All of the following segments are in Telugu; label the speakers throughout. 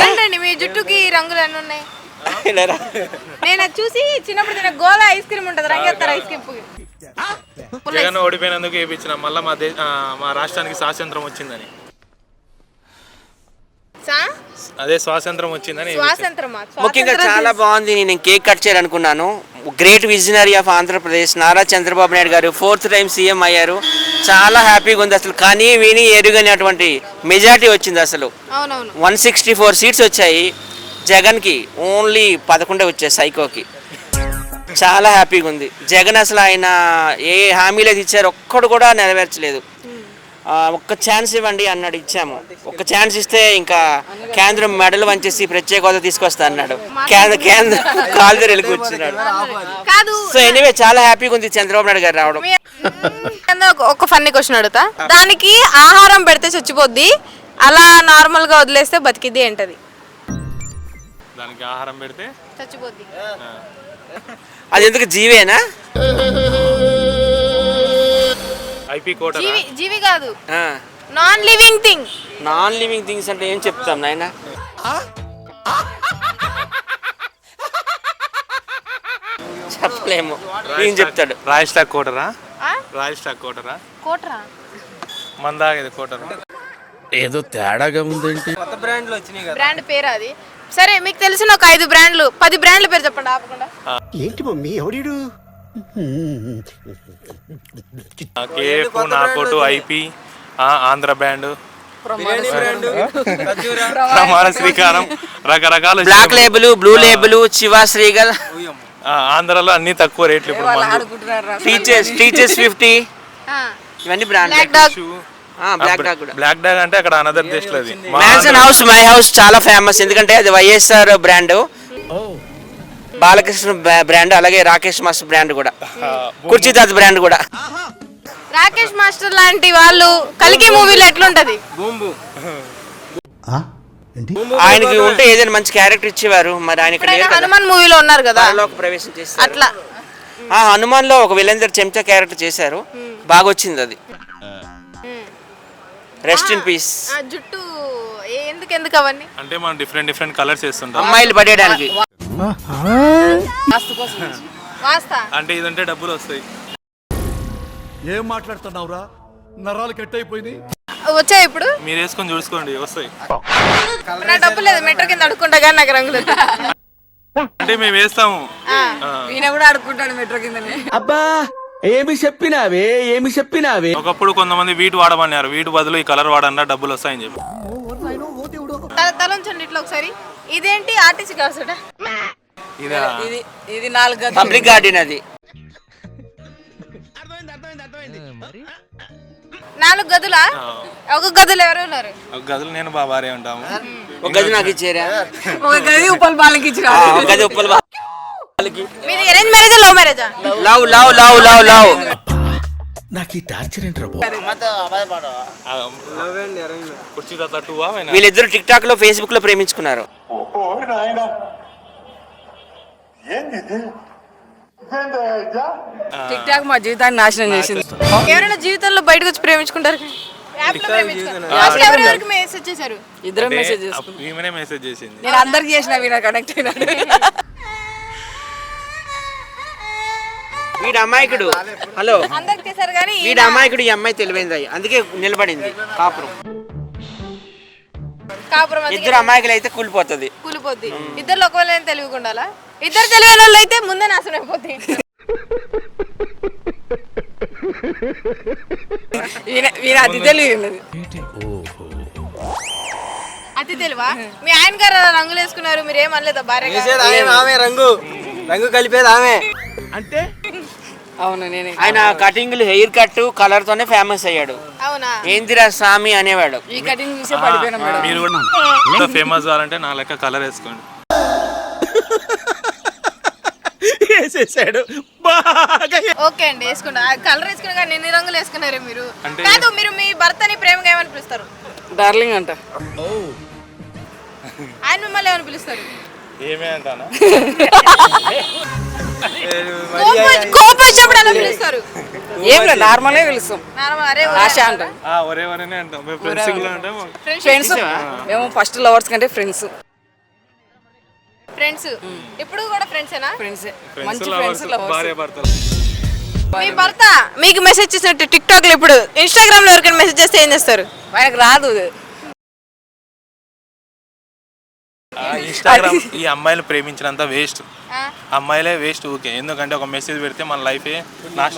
Speaker 1: ఏంటండి మీ జుట్టుకి రంగులు ఎన్ని ఉన్నాయి? నేను చూసి చిన్నప్పుడు తిన గోలా ఐస్ క్రీమ్ ఉంటుంది, రంగేస్తారు ఐస్ క్రీమ్.
Speaker 2: జగన్ ఓడిపోయినందుకు వేయించిన మళ్ళీ మా రాష్ట్రానికి స్వాతంత్రం వచ్చిందని. అదే స్వాతంత్రం వచ్చిందని.
Speaker 3: ముఖ్యంగా చాలా బాగుంది. నేను కేక్ కట్ చేయాలనుకున్నాను. Great visionary of Andhra Pradesh Nara Chandrababu Naidu గారు 4th టైం సీఎం అయ్యారు. చాలా హ్యాపీగా ఉంది అసలు. కానీ విని ఎరుగనటువంటి మెజారిటీ వచ్చింది అసలు. 164 సీట్స్ వచ్చాయి. జగన్కి ఓన్లీ 11 వచ్చాయి సైకోకి. చాలా హ్యాపీగా ఉంది. జగన్ అసలు ఆయన ఏ హామీలు అయితే ఇచ్చారు ఒక్కడు కూడా నెరవేర్చలేదు. ఒక్క ఛాన్స్ ఇవ్వండి అన్నాడు, ఇచ్చాము. ఒక్క ఛాన్స్ ఇస్తే ఇంకా కేంద్రం మెడలు వంచేసి ప్రత్యేక హోదా తీసుకొస్తా అన్నాడు. కేంద్రం కాలు దగ్గర వెళ్ళి కూర్చున్నాడు. సో ఎనీవే చాలా హ్యాపీగా ఉంది చంద్రబాబు నాయుడు గారు రావడం.
Speaker 1: ఒక ఫన్నీ క్వశ్చన్ అడుగుతా. దానికి ఆహారం పెడితే చచ్చిపోద్ది, అలా నార్మల్ గా వదిలేస్తే బతికిద్ది ఏంటది?
Speaker 2: దానికి ఆహారం పెడితే
Speaker 1: చచ్చిపోద్ది.
Speaker 3: అది ఎందుకు జీవేనా?
Speaker 2: ఐపీ కోట.
Speaker 1: జీవి కాదు, non living thing.
Speaker 3: Non living things అంటే ఏం చెప్తాం నాయన? చెప్పలేము. ఏం చెప్తాడు?
Speaker 2: రాయల్ స్టాక్ కోటరా? రాయల్ స్టాక్ కోటరా?
Speaker 1: కోటరా
Speaker 2: మందాగేది కోటరా?
Speaker 4: ఏదో తేడాగా ఉందేంటి?
Speaker 3: కొత్త బ్రాండ్లు వచ్చినాయి కదా.
Speaker 1: బ్రాండ్ పేరు అది. సరే మీకు తెలిసిన ఒక 5 బ్రాండ్లు 10 బ్రాండ్ల పేరు చెప్పండి ఆపకుండా.
Speaker 4: ఏంటి మమ్మీ ఎవడీడు?
Speaker 2: కేఎఫ్, నాకోటు, ఐపీ, ఆంధ్ర బ్యాండ్, ప్రమాణ శ్రీకారం, రకరకాల
Speaker 3: Black Label, Blue Label, Chivas Regal.
Speaker 2: ఆంధ్రాలో అన్ని తక్కువ రేట్లు. ఇప్పుడు
Speaker 3: టీచర్స్ 50 ఇవన్నీ బ్రాండ్.
Speaker 2: బ్లాక్ డాగ్ అంటే అక్కడ అనదర్ దేశ్ లో.
Speaker 3: మ్యాన్సన్ హౌస్ మై హౌస్ చాలా ఫేమస్, ఎందుకంటే అది వైఎస్ఆర్ బ్రాండ్, బాలకృష్ణ బ్రాండ్, అలాగే రాకేష్ మాస్టర్ బ్రాండ్ కూడా, కుర్చీదాత్ బ్రాండ్ కూడా.
Speaker 1: రాకేష్ మాస్టర్ లాంటి వాళ్ళు కల్కి మూవీలో ఎట్లుంటది?
Speaker 3: ఆయనకి ఉంటే ఏదైనా మంచి క్యారెక్టర్ ఇచ్చేవారు. మరి ఆయన
Speaker 1: హనుమాన్ మూవీలో ఉన్నారు కదా,
Speaker 3: ప్రవేశం చేశారు
Speaker 1: అట్లా.
Speaker 3: హనుమాన్ లో ఒక విలేందర్ చెంచా క్యారెక్టర్ చేశారు, బాగా వచ్చింది అది. Rest in peace.
Speaker 1: జుట్టు ఎందుకు అవన్నీ
Speaker 2: అంటే మనం డిఫరెంట్ కలర్స్ వేస్తుంటాం
Speaker 3: అమ్మాయిలు పడేయడానికి.
Speaker 2: అంటే ఇదంటే డబ్బులు వస్తాయి.
Speaker 4: ఏం మాట్లాడుతున్నావురా? నరాలు కట్ అయిపోయింది.
Speaker 1: వచ్చాయి ఇప్పుడు
Speaker 2: మీరు వేసుకొని చూసుకోండి, వస్తాయి.
Speaker 1: నా డబ్బు లేదు, మెట్రో కింద అడుక్కుంటా కానీ నాకు రంగులు.
Speaker 2: అంటే మేము వేస్తాము.
Speaker 1: ఈయన కూడా అడుక్కుంటాడు మెట్రో కిందనే.
Speaker 4: అబ్బా ఏమి చెప్పినావే.
Speaker 2: ఒకప్పుడు కొంతమంది వీటి వాడమన్నారు, వీటి బదులు ఈ కలర్ వాడన్నా డబ్బులు వస్తాయని చెప్పి.
Speaker 1: తలంచండి ఇట్లా ఒకసారి. ఇదేంటి ఆర్టీసీ కాసుడ?
Speaker 3: ఇది 4 పబ్లిక్ గార్డెన్. అది
Speaker 1: 4 గదులా? ఒక గదులు ఎవరు ఉన్నారు?
Speaker 2: ఒక గదులు నేను బాబారే ఉంటాము.
Speaker 3: ఒక గది నాకు ఇచ్చారా?
Speaker 1: ఒక గది ఉప్పల్ బాలకి ఇచ్చారా?
Speaker 3: ఒక గది ఉప్పల్ బాలకి.
Speaker 1: మీది అరేంజ్ మ్యారేజా లవ్ మ్యారేజా?
Speaker 3: లవ్.
Speaker 4: నాకు ఈ టార్చర్ ఏంట్రా?
Speaker 3: వీళ్ళిద్దరు టిక్ టాక్ లో, ఫేస్బుక్ లో ప్రేమించుకున్నారు.
Speaker 5: టిక్ టాక్ మా జీవితాన్ని నాశనం చేసింది.
Speaker 1: ఎవరైనా జీవితంలో బయటకు వచ్చి ప్రేమించుకుంటారు? మెసేజ్ చేశారు,
Speaker 5: ఇద్దరు మెసేజ్
Speaker 2: చేసింది.
Speaker 5: నేను అందరికి చేసిన వీళ్ళ కనెక్ట్ అయినాడు.
Speaker 3: వీడు అమాయకుడు. హలో,
Speaker 1: అందరికి చేశారు కానీ
Speaker 3: వీడు అమాయకుడు, ఈ అమ్మాయి తెలివైంది, అందుకే నిలబడింది కాపురం. ఇద్దరు అమాయకులు అయితే కూలిపోద్ది.
Speaker 1: ఇద్దరు ఒకవేళ తెలివిగా ఉండాలా? ఇద్దరు తెలివైన వాళ్ళు అయితే ముందే నాశనం అయిపోతాయి.
Speaker 5: అతి తెలివి.
Speaker 1: అతి తెలివా? మీ ఆయన గారు రంగులు వేసుకున్నారు, మీరు ఏమనలేదా?
Speaker 3: భార్య రంగు కలిపేది ఆమె
Speaker 5: అంటే. అవును, నేనే.
Speaker 3: ఆయన కటింగ్, హెయిర్ కట్, కలర్ తోనే ఫేమస్ అయ్యాడు.
Speaker 1: అవునా?
Speaker 3: ఏందిరా స్వామి అనేవాడు.
Speaker 5: ఈ కటింగ్ చూసే పడిపోయినా మేడం.
Speaker 2: మీరు కూడా ఫేమస్ అవ్వాలంటే నా లెక్క కలర్ వేసుకోండి.
Speaker 3: వేసేసాడు.
Speaker 1: ఓకే అండి, వేసుకున్నా. కలర్ వేసుకున్నా కానీ ఎన్ని రంగులు వేసుకున్నారే మీరు? కాదు, మీరు మీ భర్తని ప్రేమగా ఏమని పిలుస్తారు?
Speaker 5: డార్లింగ్ అంట.
Speaker 1: ఆయన మిమ్మల్ని ఏమని పిలుస్తారు?
Speaker 2: ఏమే అంటానా?
Speaker 1: కోపం వచ్చినప్పుడు అలా పిలుస్తారు?
Speaker 5: ఏం లేదు, నార్మల్ పిలుస్తాం. ఆశ అంటాం.
Speaker 2: ఒరే ఒరేనే అంటాం. మేము ఫ్రెండ్స్.
Speaker 5: మేము ఫస్ట్ లవర్స్ కంటే ఫ్రెండ్స్.
Speaker 1: ఫ్రెండ్స్ ఇప్పుడు కూడా ఫ్రెండ్సేనా?
Speaker 5: ఫ్రెండ్స్
Speaker 2: ఫ్రెండ్స్
Speaker 5: మంచి
Speaker 2: లవర్స్
Speaker 5: ఫ్రెండ్స్
Speaker 2: భార్య భర్తలు.
Speaker 1: మీ భర్త మీకు మెసేజ్ చేసినట్టు టిక్ టాక్ లో ఇప్పుడు ఇన్స్టాగ్రామ్ లో ఎవరికైనా మెసేజ్ చేస్తే ఏం చేస్తారు?
Speaker 5: ఆయనకు రాదు.
Speaker 2: ఇన్స్టాగ్రామ్ ఈ అమ్మాయిలు ప్రేమించినంత వేస్ట్. అమ్మాయిలే వేస్ట్ ఊకే. ఎందుకంటే ఒక మెసేజ్ పెడితే మన లైఫే నాశనం.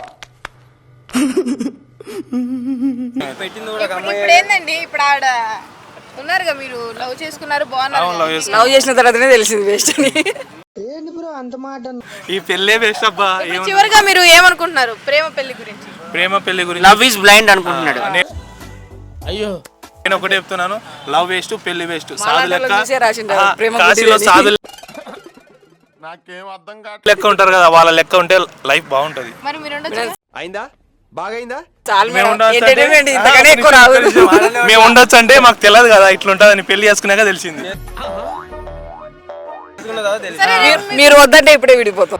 Speaker 1: ఇప్పుడు ఏందండి, ఇప్పుడు ఆడ ఉన్నారుగా, మీరు లవ్ చేసుకున్నారు, బాగున్నారు.
Speaker 2: అవును, లవ్ చేసుకున్నాం.
Speaker 5: లవ్ చేసిన తర్వాతనే తెలిసింది వేస్ట్ అని.
Speaker 2: ఈ పెళ్ళే వేస్ట్ అబ్బా.
Speaker 1: ఇప్పుడు చివరిగా మీరు ఏమనుకుంటున్నారు ప్రేమ పెళ్లి గురించి?
Speaker 2: ప్రేమ పెళ్లి గురించి
Speaker 3: లవ్ ఈజ్ బ్లైండ్ అనుకుంటున్నాడు.
Speaker 2: నేను ఒకటే చెప్తున్నాను, లవ్ వేస్ట్, పెళ్లి వేస్ట్. సాధు
Speaker 5: మాలాటలో
Speaker 2: లెక్క
Speaker 5: చూసే రాసిండు ప్రేమ
Speaker 2: కాశీలో
Speaker 5: గుడ్డిది.
Speaker 2: సాధు లెక్క ఉంటారు కదా, వాళ్ళ లెక్క ఉంటే లైఫ్ బాగుంటది.
Speaker 1: మరి మీరు ఉండొచ్చు.
Speaker 4: అయిందా బాగైందా?
Speaker 5: చాలు
Speaker 2: మేము
Speaker 5: మేడం.
Speaker 2: ఉండొచ్చు
Speaker 5: ఎంటర్టైన్మెంట్
Speaker 2: అంటే-
Speaker 5: ఇంతకనే ఎక్కువ రాదు.
Speaker 2: మేము ఉండొచ్చు అంటే మాకు తెలియదు కదా ఇట్లుంటదని, పెళ్లి చేసుకున్నాక తెలిసింది.
Speaker 1: సరే,
Speaker 5: మీరు వద్దంటే ఇప్పుడే విడిపోతాం.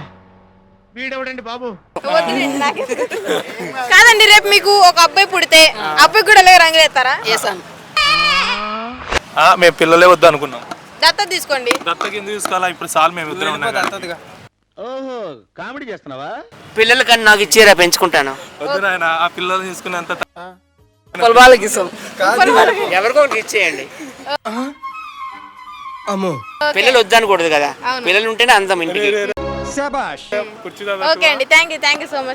Speaker 1: వదిలేండి, నాకే కాదండి. రేపు మీకు ఒక అబ్బాయి పుడితే అబ్బాయి కూడా అలాగే రంగులు వేస్తారా?
Speaker 5: చేశాను.
Speaker 2: మేము పిల్లలే వద్దు అనుకున్నాం.
Speaker 1: దత్త తీసుకోండి.
Speaker 2: దత్తకి ఎందుకు తీసుకోవాలా? ఇప్పుడు సార్ మేము ఇద్దరం ఉన్నాం కదా.
Speaker 4: ఓహో కామెడీ చేస్తున్నావా?
Speaker 3: పిల్లల కన్నా నాకు ఇచ్చేరా, పెంచుకుంటాను.
Speaker 2: వద్దు నాయన, ఆ పిల్లలు తీసుకునేంత
Speaker 5: పొలబాలకి ఇస్తాం.
Speaker 3: ఎవరికో ఒకటి ఇచ్చేయండి.
Speaker 4: అమ్మో
Speaker 3: పిల్లలు వద్దనకూడదు కదా, పిల్లలు ఉంటేనే అందం ఇంటికి.
Speaker 4: శబాష్.
Speaker 2: కుర్చీలో
Speaker 1: ఓకే అండి, థ్యాంక్ యూ సో మచ్.